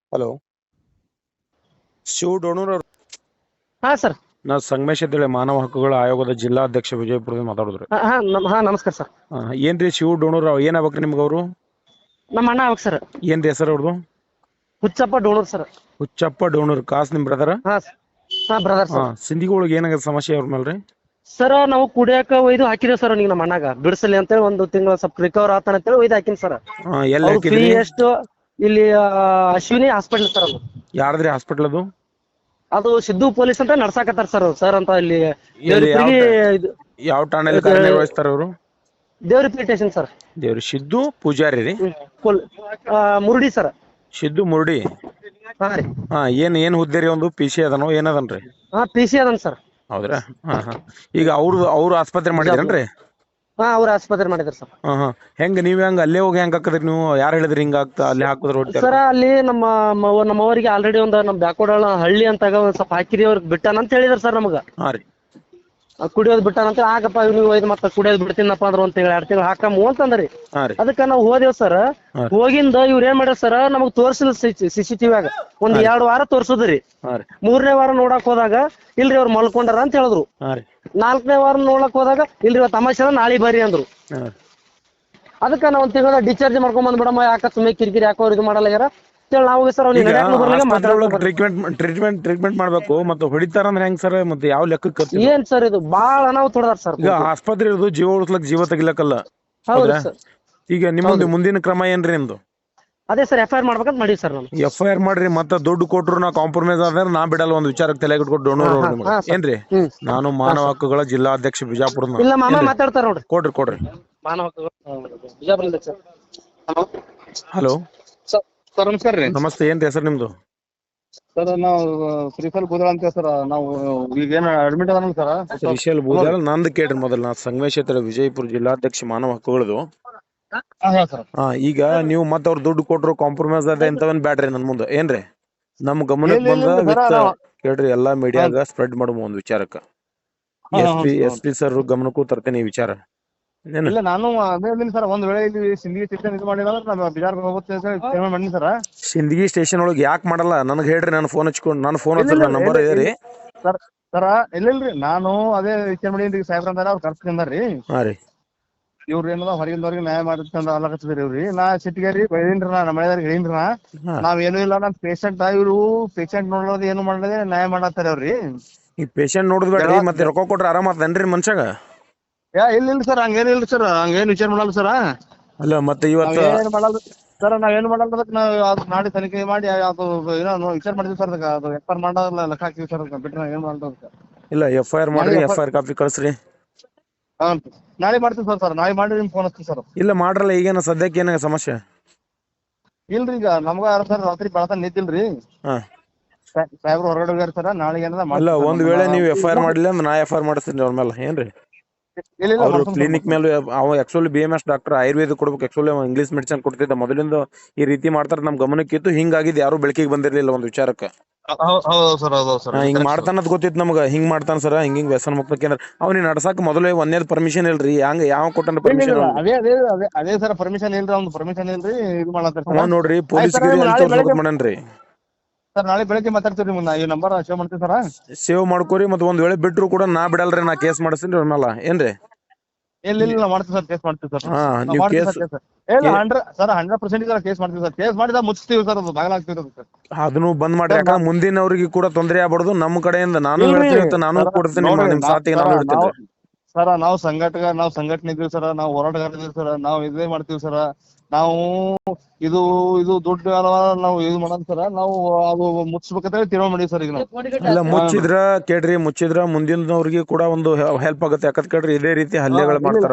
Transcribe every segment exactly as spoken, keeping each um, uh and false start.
Hello, Shiva ಡೋಣೂರ್ ಅವ್ರು. ಹಾ sir. ನಾ ಸಂಗಮೇಶ್ ಅಂತೇಳಿ ಮಾನವ ಹಕ್ಕುಗಳ ಆಯೋಗದ ಜಿಲ್ಲಾಧ್ಯಕ್ಷ ವಿಜಯಪುರದಿಂದ ಮಾತಾಡಿದ್ರಿ. ಹಾ ಹಾ ನಮ್- ಹಾ ನಮಸ್ಕಾರ ಸರ್. ಏನ್ರಿ ಶಿವ ಡೋಣೂರ್ ಅವ್ರು ಏನ್ ಆಗ್ಬೇಕ್ರಿ ನಿಮ್ಗೆ? ಅವರು ನಮ್ಮ ಅಣ್ಣ ಅವಾಗ ಸರ್. ಏನ್ರಿ ಹೆಸರು ಅವ್ರದ್ದು? ಹುಚ್ಚಪ್ಪ ಡೋಣೂರ್ ಸರ್. ಹುಚ್ಚಪ್ಪ ಡೋಣೂರ್. ಕಾಸ್ ನಿಮ್ ಬ್ರದರ? ಹಾ ಹಾ ಬ್ರದರ್ ಹಾ, ಸರ್. ಸಿಂಧಿಗಳಿಗೆ ಏನಾಗದ ಸಮಸ್ಯೆ ಅವ್ರ ಮೇಲ್ರಿ? ಸರ್ ನಾವು ಕುಡಿಯಾಕ ಒಯ್ದು ಹಾಕಿದೇವ್ ಸರ್. ನೀವು ನಮ್ಮ ಅಣ್ಣಗ ಬಿಡಿಸಲಿ ಅಂತೇಳಿ ಒಂದು ತಿಂಗಳು ಸ್ವಲ್ಪ ರಿಕವರ್ ಆತಾನ ಅಂತೇಳಿ ಒಯ್ದು ಹಾಕಿನಿ ಸರ್. ಹಾ, ಎಲ್ಲಿ ಅವ್ರ ಫೀ ಹಾಕಿದ್ರಿ? ಎಷ್ಟು? ಇಲ್ಲಿ ಆ, ಅಶ್ವಿನಿ ಹಾಸ್ಪಿಟಲ್ ಸರ್. ಅದು ಯಾರ್ದ್ರಿ ಹಾಸ್ಪಿಟಲ್ ಅದು? ಅದು ಸಿದ್ದು ಪೊಲೀಸ್ ಅಂತ ನಡ್ಸಾಕತ್ತಾರ ಸರ್. ಸರ್ ಅಂತ ಇಲ್ಲಿ ಎಲ್ಲಿ ಯಾವ ದೇವ್ರಿಪ್ರಿಗೆ ಇದು ಯಾವ ಠಾಣೆಯಲ್ಲಿ ಕಾರ್ಯನಿರ್ವಹಿಸ್ತಾರ ಅವರು? ದೇವ್ರಿಪ್ರಿ ಸ್ಟೇಷನ್ ಸರ್. ದೇವ್ರಿ ಸಿದ್ದು ಪೂಜಾರಿ ರೀ? ಪೊಲ್- ಆ, ಮುರುಡಿ ಸರ್. ಸಿದ್ದು ಮುರುಡಿ. ಹಾ ರೀ. ಹಾ, ಏನ್ ಏನ್ ಹುದ್ದೆ ರೀ? ಒಂದು ಪಿ ಸಿ ಅದನೋ ಏನದನ್ರಿ? ಹಾ ಪಿ ಸಿ ಅದನ್ ಸರ್. ಹೌದ್ರಾ? ಹಾ ಹಾ. ಈಗ ಅವ್ರು ಅವ್ರು ಆಸ್ಪತ್ರೆ ಮಾಡಿದ್ರೇನ್ರಿ? ಹಾ ಅವ್ರ ಆಸ್ಪತ್ರೆ ಮಾಡಿದಾರೆ ಸರ್. ಹಾ ಹಾ. ಹೆಂಗ್ ನೀವ್ ಹೆಂಗ್ ಅಲ್ಲೇ ಹೋಗಿ ಹೆಂಗ್ ಹಾಕದ್ರಿ ನೀವು? ಯಾರು ಹೇಳಿದ್ರಿ ಹಿಂಗ ಆಗ್ತಾ ಅಲ್ಲಿ ಹಾಕಿದ್ರ ಹೊಟ್ಟೆ? ಸರ ಅಲ್ಲಿ ನಮ್ಮ ಮವ- ನಮ್ಮವರಿಗೆ ಆಲ್ರೆಡಿ ಒಂದು ನಮ್ಮ ಬ್ಯಾಕ್ವರ್ಡ್ ಹಳ್ಳಿ ಅಂತ ಒಂದ್ ಸ್ವಲ್ಪ ಹಾಕಿರಿ ಅವ್ರಿಗೆ ಬಿಟ್ಟಾನ ಅಂತ ಹೇಳಿದಾರೆ ಸರ್ ನಮಗ. ಹಾ ರೀ. ಆ ಕುಡಿಯೋದ್ ಬಿಟ್ಟಾನ ಅಂತ. ಆಗಪ್ಪ ನೀವು ಒಯ್ದು ಮತ್ತೆ ಕುಡಿಯೋದ್ ಬಿಡ್ತೀನಪ್ಪ ಅಂದ್ರೆ ಒಂದ್ ತಿಂಗಳು ಎರಡು ತಿಂಗಳು ಹಾಕಮ್ಮ ಅಂತಂದ್ರಿ. ಹಾ ರೀ. ಅದಕ್ಕ ನಾವು ಹೋದೇವ್ ಸರ್. ಹಾ ರೀ. ಹೋಗಿಂದ ಇವ್ರ ಏನ್ ಮಾಡ್ಯಾರ ಸರ್, ನಮಗ್ ತೋರ್ಸಿಲ್ಲ ಸಿ ಸಿ ಟಿವಿ ಆಗ ಒಂದ್ ಎರಡು ವಾರ ತೋರ್ಸುದ್ರಿ. ಹಾ ರೀ. ಮೂರನೇ ವಾರ ನೋಡಕ್ ಹೋದಾಗ ಇಲ್ರಿ ಅವ್ರು ಮಲ್ಕೊಂಡಾರ ಅಂತ ಹೇಳಿದ್ರು. ಹಾ ರೀ. ನಾಲ್ಕನೇ ವಾರ ನೋಡಕ್ ಹೋದಾಗ ಇಲ್ರಿ ಇವತ್ತು ತಮಾಷೆ ಅದ, ನಾಳೆ ಬರ್ರಿ ಅಂದ್ರು. ಹಾ ರೀ. ಅದಕ್ಕ ನಾವ್ ಒಂದ್ ತಿಂಗಳ ಡಿಸ್ಚಾರ್ಜ್ ಮಾಡ್ಕೊಂಡ್ ಬಂದ್ ಬಿಡಮ್ಮ, ಯಾಕ ಸುಮ್ಮನೆ ಕಿರಿಕಿರಿ ಯಾಕೋ ಇದು ಮಾಡಲ್ಲ ನಾವು ಸರ್ ಅವ್ನಿಗೆ ಈಗ ನಡ್ಯಾಕ್ ಬರ್ಲಿಲ್ಲ ಆಸ್ಪತ್ರೆ ಒಳಗ್ ಮಾತಾಡಕ್. ಟ್ರೀಟ್ಮೆಂಟ್ ಟ್ರೀಟ್ಮೆಂಟ್ ಟ್ರೀಟ್ಮೆಂಟ್ ಮಾಡ್ಬೇಕು, ಮತ್ತೆ ಹೊಡಿತಾರ ಅಂದ್ರೆ ಹೆಂಗ್ ಸರ್? ಮತ್ತೆ ಯಾವ ಲೆಕ್ಕಕ್ಕೆ ಖರ್ಚು? ಏನ್ ಸರ್ ಇದು ಬಾಳ ಅನಾಹುತ ಹೊಡೆದಾರ ಸರ್. ಈಗ ಆಸ್ಪತ್ರೆ ಇರೋದು ಜೀವ ಉಳಿಸ್ಲಕ್, ಜೀವ ತೆಗಿಲಕ್ಕಲ್ಲ. ಹೌದ್ರಿ ಹೌದಾ? ಸರ್. ಈಗ ನಿಮ್ಮೊಂದು ಮುಂದಿನ ಕ್ರಮ ಏನ್ರಿ ನಿಮ್ದು? ಅದೇ ಸರ್ ಎಫ್ ಐ ಆರ್ ಮಾಡ್ಬೇಕಂತ ಮಾಡೀವಿ ಸರ್ ನಾನು. ಎಫ್ ಐ ಆರ್ ಮಾಡ್ರಿ. ಮತ್ತೆ ದುಡ್ಡು ಕೊಟ್ರು ನಾ ಕಾಂಪ್ರಮೈಸ್ ಆದ್ರೆ ನಾ ಬಿಡಲ್ಲ. ಒಂದು ವಿಚಾರಕ್ಕೆ ತಲೆ ಇಟ್ಕೊಟ್ಟು ಡೋಣೂರ್ ಅವ್ರು ನಿಮ್ಗೆ ಹಾ ಸರ್. ಏನ್ರಿ? ಹ್ಮ್. ನಾನು ಮಾನವ ಹಕ್ಕುಗಳ ಜಿಲ್ಲಾಧ್ಯಕ್ಷ ಬಿಜಾಪುರದ. ಇಲ್ಲ ಮಾಮ ಮಾತಾಡ್ತಾರ ನೋಡ್ರಿ. ಕೊಡ್ರಿ ಕೊಡ್ರಿ. ಮಾನವ ಹಕ್ಕುಗಳು ಬಿಜಾಪುರದಿಂದ ಸರ್. ಹಲೋ ಸರ್ ಸರ್ ನಮಸ್ಕಾರ ರೀ. ನಮಸ್ತೆ. ಏನ್ರಿ ಹೆಸರು ನಿಮ್ದು? ಸರ್ ನಾವು ಶ್ರೀಫಲ್ ಬೂದಳ ಅಂತ ಸರ್. ನಾವು ಈಗ ಏನು ಅಡ್ಮಿಟ್ ಅದಾನ ಸರ್. ಶ್ರೀಶೈಲ್ ಬೂದಾಳ. ನಂದು ಕೇಳ್ರಿ ಮೊದಲು. ನಾ ಸಂಗಮೇಶ್ ಅಂತೇಳಿ ವಿಜಯಪುರ ಜಿಲ್ಲಾಧ್ಯಕ್ಷ ಮಾನವ ಹಕ್ಕುಗಳದು. ಹಾ ಸರ್. ಹಾ, ಈಗ ನೀವು ಮತ್ತೆ ಅವ್ರು ದುಡ್ಡು ಕೊಟ್ರು ಕಾಂಪ್ರಮೈಸ್ ಅದ ಇಂಥವನ್ ಬ್ಯಾಡ್ರಿ ನನ್ ಮುಂದೆ ಏನ್ರಿ? ನಮ್ ಗಮನಕ್ಕೆ ಬಂದ ವಿತ್ ಕೇಳ್ರಿ, ಎಲ್ಲಾ ಮೀಡಿಯಾಗ ಸ್ಪ್ರೆಡ್ ಮಾಡುವ ಒಂದು ವಿಚಾರಕ್ಕ. S P S P sir ಗಮನಕ್ಕೂ ತರ್ತೇನೆ ಈ ವಿಚಾರ. ಇಲ್ಲ ನಾನು ಅದೇ ಇದೀನಿ ಸರ್. ಒಂದ್ ವೇಳೆ ಇಲ್ಲಿ ಸಿಂಧಿ ಸ್ಟೇಷನ್ ಇದು ಮಾಡಿದ್ರೆ ನಾನು ಬಿಜಾರ್ ಹೋಗುತ್ತೆ ಪೇಮೆಂಟ್ ಮಾಡೀನಿ ಸರ್. ಸಿಂದಗಿ ಸ್ಟೇಷನ್ ಒಳಗೆ ಯಾಕೆ ಮಾಡಲ್ಲ ನನಗೆ ಹೇಳ್ರಿ. ನಾನು ಫೋನ್ ಹಚ್ಕೊಂಡು ನಾನು ಫೋನ್ ಹಚ್ಚಿ ನನ್ನ ನಂಬರ್ ಇದೆ ರೀ. ಸರ್ ಸರ ಇಲ್ಲಿಲ್ರಿ, ನಾನು ಅದೇ ವಿಚಾರ ಮಾಡೀನಿ ಸಾಹೇಬ್ರ ಅಂದಾರ, ಅವ್ರು ಕರ್ಸ್ಕೊಂಡ್ ಬಂದಾರ್ರಿ. ಹಾ ರೀ. ಇವ್ರ ಏನದ ಹೊರಗಿಂದವ್ರಿಗೆ ನ್ಯಾಯ ಮಾಡಿರ್ತಂದ ಅಲ್ಲಕತ್ತಿದ್ರಿ ಇವ್ರಿ. ನಾ ಸಿಟ್ಟಿಗೇರಿ ಬೈದೀನ್ರಿ. ನಾ ನಮ್ಮ ಮನೆಯವ್ರಿಗೆ ಹೇಳಿನ್ರಿ. ನಾ ಹಾ. ನಾವ್ ಏನು ಇಲ್ಲ, ನಮ್ ಪೇಷಂಟ್ ಇವ್ರು ಪೇಷಂಟ್ ನೋಡೋದು ಏನು ಮಾಡದೆ ನ್ಯಾಯ ಮಾಡತ್ತಾರ ಅವ್ರಿ. ಈ ಪೇಷಂಟ್ ನೋಡುದ್ ಬೇಡ್ರಿ, ಮತ್ತೆ ರೊಕ್ಕ ಕೊಟ್ರೆ ಆರಾಮ ಆತನ್ರಿ ಮನುಷ್ಯಾಗ? ಯಾ ಇಲ್ಲ ಇಲ್ಲ ಸರ್, ಹಂಗೇನಿಲ್ಲ ಸರ್. ಹಂಗೇನ್ ವಿಚಾರ ಮಾಡಲ್ಲ ಸರ್. ಅಲ್ಲ ಮತ್ತೆ ಇವತ್ತು ನಾವೇನ್ ಮಾಡಲ್ಲ ಸರ್. ನಾವೇನು ಮಾಡಲ್ಲ. ಅದಕ್ಕೆ ನಾವು ಅದು ನಾಳೆ ತನಿಖೆ ಮಾಡಿ ಅದು ಏನೋ ವಿಚಾರ ಮಾಡಿದ್ವಿ ಸರ್. ಅದಕ್ಕೆ ಅದು ಎಫ್ ಐ ಆರ್ ಮಾಡೋಲ್ಲ, ಲೆಕ್ಕ ಹಾಕಿವಿ ಸರ್. ಅದಕ್ಕೆ ಬಿಟ್ರೆ ಏನ್ ಮಾಡಲ್ಲ ಸರ್. ಇಲ್ಲ, ಎಫ್ ಐ ಆರ್ ಮಾಡ್ರಿ. ಎಫ್ ಐ ಆರ್ ಕಾಪಿ ಕಳ್ಸ್ರಿ. ಹಾ ನಾಳೆ ಮಾಡ್ತೀವಿ ಸರ್. ಸರ್ ನಾಳೆ ಮಾಡಿ ನಿಮ್ಗೆ ಫೋನ್ ಹಚ್ತೀವಿ ಸರ್. ಇಲ್ಲ ಮಾಡ್ರಲ್ಲ. ಈಗೇನ ಸದ್ಯಕ್ಕೆ ಏನಾಗ ಸಮಸ್ಯೆ? ಇಲ್ರಿ, ಈಗ ನಮ್ಗ ಸರ್ ರಾತ್ರಿ ಬೆಳತನ ನಿಂತಿಲ್ರಿ. ಹಾ. ಸಾಹೇಬ್ರು ಹೊರಗಡೆ ಹೋಗ್ಯಾರ ಸರ್. ನಾಳೆಗೆ ಏನದ ಅಲ್ಲ, ಒಂದ್ ವೇಳೆ ನೀವು ಎಫ್ ಐ ಆರ್ ಮಾಡಿಲ್ಲ ಅಂದ್ರೆ ನಾ ಎಫ್ ಐ ಆರ್ ಮಾಡಿಸ್ತೀನಿ ಅವ್ರ ಮೇಲೆ ಏನ್ರಿ? ಇಲ್ಲ ಇಲ್ಲ ಅವ್ರು ಮಾಡ್ಸೋಣ ಸರ್, ಕ್ಲಿನಿಕ್ ಮೇಲೆ ಅವ actually B M S doctor Ayurveda ಕೊಡ್ಬೇಕು. ಆಕ್ಚುಲಿ ಅವ ಇಂಗ್ಲಿಷ್ ಮೆಡಿಸಿನ್ ಕೊಡ್ತಿದ್ದ ಮೊದಲಿಂದ. ಈ ರೀತಿ ಮಾಡ್ತಾರ ನಮ್ ಗಮನಕ್ಕಿತ್ತು. ಹಿಂಗಾಗಿದ್ದು ಯಾರು ಬೆಳಕಿಗೆ ಬಂದಿರ್ಲಿಲ್ಲ ಒಂದು ವಿಚಾರಕ್ಕೆ. ಹೌದು ಸರ್. ಹೌದು ಸರ್. ಹಿಂಗ್ ಮಾಡ್ತಾನದ್ ಗೊತ್ತಿತ್ತು ನಮ್ಗ. ಹಿಂಗ್ ಮಾಡ್ತಾನ ಸರ್, ಹಿಂಗ್ ಹಿಂಗ್ ವ್ಯಸನ ಮುಕ್ತ ಕೇಂದ್ರ. ಅವ್ನಿಗೆ ನಡ್ಸಾಕ್ ಮೊದಲೇ ಒಂದೇದ್ ಪರ್ಮಿಷನ್ ಇಲ್ರಿ. ಹಂಗ ಯಾವ ಕೊಟ್ಟನ ಪರ್ಮಿಷನ್? ಅದೇ ಅದೇ ಅದೇ ಅದೇ ಸರ್ ಪರ್ಮಿಷನ್ ಇಲ್ರಿ. ಅವ್ನು ಪರ್ಮಿಷನ್ ಇಲ್ರಿ. ಇದು ಮಾಡತ್ತಾರ ಅವ ನೋಡ್ರಿ ಪೊಲೀಸ್ ಗಿರಿ ಅಲ್ಲಿ ತೋರ್ಸ್ಬೇಕಂತ ಮಾಡನ್ರಿ. ಸರ್ ನಾಳೆ ಬೆಳಗ್ಗೆ ಮಾತಾಡ್ತೀವಿ. ನಿಮ್ನ ಈ ನಂಬರ್ ಸೇವ್ ಮಾಡ್ತೀವಿ ಸರ್. ಸೇವ್ ಮಾಡ್ಕೋರಿ. ಮತ್ತೆ ಒಂದ್ ವೇಳೆ ಬಿಟ್ರು ಕೂಡ ನಾ ಬಿಡಲ್ರಿ. ನಾ ಕೇಸ್ ಮಾಡಿಸ್ತೀನಿ ಅವ್ರ ಮೇಲೆ ಏನ್ರಿ? ಇಲ್ಲ ಇಲ್ಲ ಮಾಡ್ತೀವಿ ಸರ್. ಕೇಸ್ ಮಾಡ್ತೀವಿ ಸರ್. ಹಾ, ನೀವು ಕೇಸ್ ಇಲ್ಲ hundred sir hundred percent case ಮಾಡ್ತೀವಿ ಸರ್. ಕೇಸ್ ಮಾಡಿದ ಮುಚ್ತೀವಿ ಸರ್. ಅದು ಬಾಗಲಾಗ್ತೀವಿ ಸರ್. ಅದನ್ನು ಬಂದ್ ಮಾಡ್ರಿ. ಯಾಕಂದ್ರೆ ಮುಂದಿನವ್ರಿಗೆ ಕೂಡ ತೊಂದರೆ ಆಗ್ಬಾರ್ದು. ನಮ್ಮ ಕಡೆಯಿಂದ ನಾನು ಇಲ್ರಿ ಹೇಳ್ತೀನಿ ಅಂತ ನಾನು ಸರ, ಕೊಡ್ತೀನಿ. ನೋಡ್ರಿ, ನಿಮ್ ನಾ- ಸಾಥಿಗೆ ಸರ, ನಾನು ಇಡ್ತೀನಿ. ನಾವು- ಸರ ನಾವು ಸಂಘಟಕ ನಾವು ಸಂಘಟನೆ ಇದೀವಿ ಸರ. ನಾವು ಹೋರಾಟಗಾರ ಇದೀವಿ ಸರ. ನಾವು ಇದೇ ಮಾಡ್ತೀವಿ ಸರ. ನಾವು ಇದು ಇದು ದುಡ್ಡು ಅಲ್ವಾ ನಾವು ಇದು ಮಾಡೋದು ಸರ. ನಾವು ಅದು ಮುಚ್ಬೇಕಂತ ಹೇಳಿ ತೀರ್ಮಾನ ಮಾಡೀವಿ ಸರ್. ಈಗ ನಾವು ಇಲ್ಲ, ಮುಚ್ಚಿದ್ರ ಕೇಳ್ರಿ. ಮುಚ್ಚಿದ್ರ ಮುಂದಿನವ್ರಿಗೆ ಕೂಡ ಒಂದು ಹೆಲ್ಪ್ ಆಗುತ್ತೆ. ಯಾಕಂತ ಕೇಳ್ರಿ, ಇದೇ ರೀತಿ ಹಲ್ಲೆಗಳು ಮಾಡ್ತಾರ.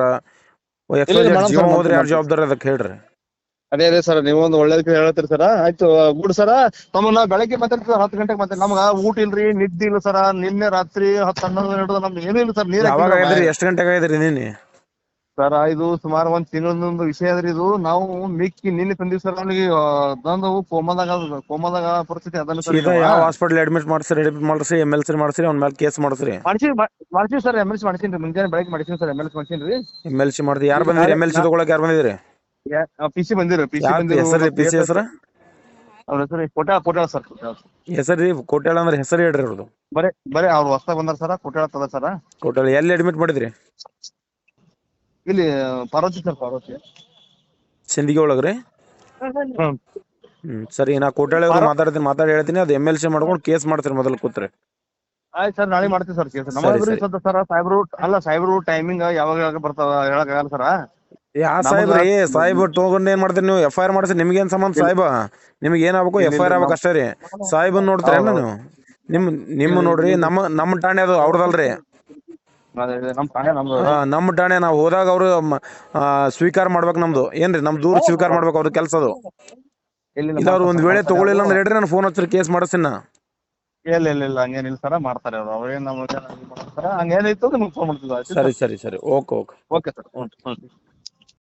ಜೀವ ಹೋದ್ರೆ ಯಾರು ಜವಾಬ್ದಾರಿ ಅದಕ್ಕೆ ಹೇಳ್ರಿ? ಅದೇ ಅದೇ ಸರ್, ನೀವೊಂದು ಒಳ್ಳೇದಕ್ಕೆ ಹೇಳ್ತೀರಿ ಸರ. ಆಯ್ತು ಗುಡ್ ಸರ. ತಮ್ಮ ನಾವು ಬೆಳಗ್ಗೆ ಮಾತಾಡ್ತೀವಿ ಹತ್ತು ಗಂಟೆಗೆ ಮತ್ತೆ. ನಮ್ಗ ಊಟ ಇಲ್ರಿ, ನಿದ್ದೆ ಇಲ್ಲ ಸರ. ನಿನ್ನೆ ರಾತ್ರಿ ಹತ್ತು ಹನ್ನೊಂದು ಹಿಡಿದು ನಮ್ದು ಏನೂ ಇಲ್ಲ ಸರ್. ನೀರ್ ಯಾವಾಗ ಆಗಿದ್ರಿ? ಎಷ್ಟು ಗಂಟೆಗೆ ಆಗಿದ್ರಿ ನಿನ್ನೆ? ಸರ್ ಇದು ಸುಮಾರು ಒಂದ್ ತಿಂಗಳದೊಂದು ವಿಷಯ ಅದ್ರಿ ಇದು. ನಾವು ಮಿಕ್ಕಿ ನಿನ್ನೆ ತಂದಿವಿ ಸರ್. ಅವ್ನಿಗೆ ತಂದು ಕೋಮಾದಾಗ ಕೋಮಾದಾಗ ಪರಿಸ್ಥಿತಿ ಅದನ್ನ ಸರ್. ಸೀದಾ ಯಾವ ಹಾಸ್ಪಿಟಲ್ ಅಡ್ಮಿಟ್ ಮಾಡ್ಸ್ರಿ? ಅಡ್ಮಿಟ್ ಮಾಡ್ಸ್ರಿ, ಎಮ್ ಎಲ್ ಸಿ ಮಾಡ್ಸ್ರಿ, ಅವ್ನ ಮೇಲೆ ಕೇಸ್ ಮಾಡ್ಸ್ರಿ. ಮಾಡ್ಸಿ ಮಾಡ್ಸಿವಿ ಸರ್. ಎಮ್ ಎಲ್ ಸಿ ಮಾಡ್ಸೀನಿ ಮುಂಜಾನೆ ಬೆಳಗ್ಗೆ ಮಾಡ್ಸೀನಿ ಸರ್. ಎಮ್ ಎಲ್ ಸಿ ಮಾಡ್ಸೀನಿ. ಎಮ್ ಎಲ್ ಸಿ ಮಾಡ್ರಿ. ಯಾರು ಬಂದಿರಿ ಎಮ್ ಎಲ್ ಸಿ ತಗೊಳಕ್? ಯಾರು ಬಂದಿದ್ರಿ? ಪಿ ಸಿ ಬಂದಿರು. ಪಿ ಸಿ ಹೆಸರು? ಪಿ ಸಿ ಹೆಸರು ಅವ್ರ ಹೆಸರು ಕೋಟ್ಯಾಳ ಕೋಟ್ಯಾಳ ಸರ್ ಕೋಟ್ಯಾಳ ಹೆಸರು ರೀ ಕೋಟ್ಯಾಳ ಅಂದ್ರೆ ಹೆಸರು ಹೇಳ್ರಿ ಅವ್ರದ್ದು. ಬರೇ ಬರೇ ಅವ್ರು ಹೊಸ್ದಾಗ್ ಬಂದಾರ ಸರ ಕೋಟ್ಯಾಳ ತದ ಸರ. ಕೋಟ್ಯಾಳ ಎಲ್ಲಿ ಅಡ್ಮಿಟ್ ಮಾಡಿದ್ರಿ? ಇಲ್ಲಿ ಪಾರ್ವತಿ ಸರ್ ಪಾರ್ವತಿ. ಸಿಂದಗಿ ಒಳಗ್ರಿ? ಹ್ಮ್ ಹ್ಮ್ ಸರಿ, ನಾ ಕೋಟ್ಯಾಳ ಅವ್ರು ಮಾತಾಡ್ತೀನಿ, ಮಾತಾಡಿ ಹೇಳ್ತೀನಿ. ಅದು ಎಮ್ ಎಲ್ ಸಿ ಮಾಡ್ಕೊಂಡು ಕೇಸ್ ಮಾಡ್ತೀರಿ ಮೊದಲು ಕೂತ್ರಿ. ಆಯ್ತು ಸರ್, ನಾಳೆ ಮಾಡ್ತೀವಿ ಸರ್ ಕೇಸ್. ಸರಿ, ನಮ್ಮದ್ರಿ ಸರಿ. ಸದ್ದ ಸರ ಸಾಹೇಬ್ರು ಅಲ್ಲ ಸಾಹೇಬ್ರು ಟೈಮಿಂಗ್ ಯಾವಾಗ ಯಾವಾಗ ಬರ್ತಾವ ಹೇಳಕ್ ಆಗಲ್ಲ ಸರ. ಯಾ ಸಾಹೇಬ್ರಿ? ಸಾಹೇಬ್ ತಗೊಂಡ್ ಏನ್ ಮಾಡ್ತೀರಿ ನೀವು? ಎಫ್ ಐ ಆರ್ ಮಾಡ್ಸಿ, ನಿಮ್ಗೇನ್ ಸಂಬಂಧ ಸಾಹೇಬ? ನಿಮ್ಗೆ ಏನ್ ಆಗ್ಬೇಕು? ಎಫ್ ಐ ಆರ್ ಆಗ್ಬೇಕು ಅಷ್ಟೇ ರೀ. ಸಾಹೇಬನ್ ನೋಡ್ತೀರೇನ ನೀವು? ನಿಮ್ ನಿಮ್ಮ ನೋಡ್ರಿ, ನಮ್ಮ ನಮ್ಮ ಠಾಣೆ ಅದು ಅವ್ರದಲ್ರಿ. ನಮ್ ಠಾಣೆ ನಮ್ದು. ಹಾ, ನಮ್ಮ ಠಾಣೆ. ನಾವು ಹೋದಾಗ ಅವ್ರು ಸ್ವೀಕಾರ ಮಾಡ್ಬೇಕು ನಮ್ದು. ಏನ್ರಿ ನಮ್ ದೂರ ಸ್ವೀಕಾರ ಮಾಡ್ಬೇಕು ಅವ್ರ ಕೆಲ್ಸ ಅದು. ಇಲ್ಲ ಅವ್ರು ಒಂದ್ ವೇಳೆ ತಗೊಳಿಲ್ಲ ಅಂದ್ರೆ ಹೇಳ್ರಿ, ನಾನು ಫೋನ್ ಹಚ್ಚಿ ಕೇಸ್ ಮಾಡಿಸ್ತೀನಿ. ಇಲ್ಲ ಇಲ್ಲ ಇಲ್ಲ ಹಂಗೇನಿಲ್ಲ ಸರ, ಮಾಡ್ತಾರೆ ಅವ್ರು. ಅವ್ರೇನ್ ನಮ್ಗೆ ಹಂಗೇನಿತ್ತು ನಿಮ್ಗೆ ಫೋನ್ ಮಾಡ್ತಿದ್ವಿ. ಸರಿ ಸರಿ ಸರಿ, ಓಕೆ ಓಕೆ. Okay sir. ಹ್ಞೂ ಹ್ಞೂ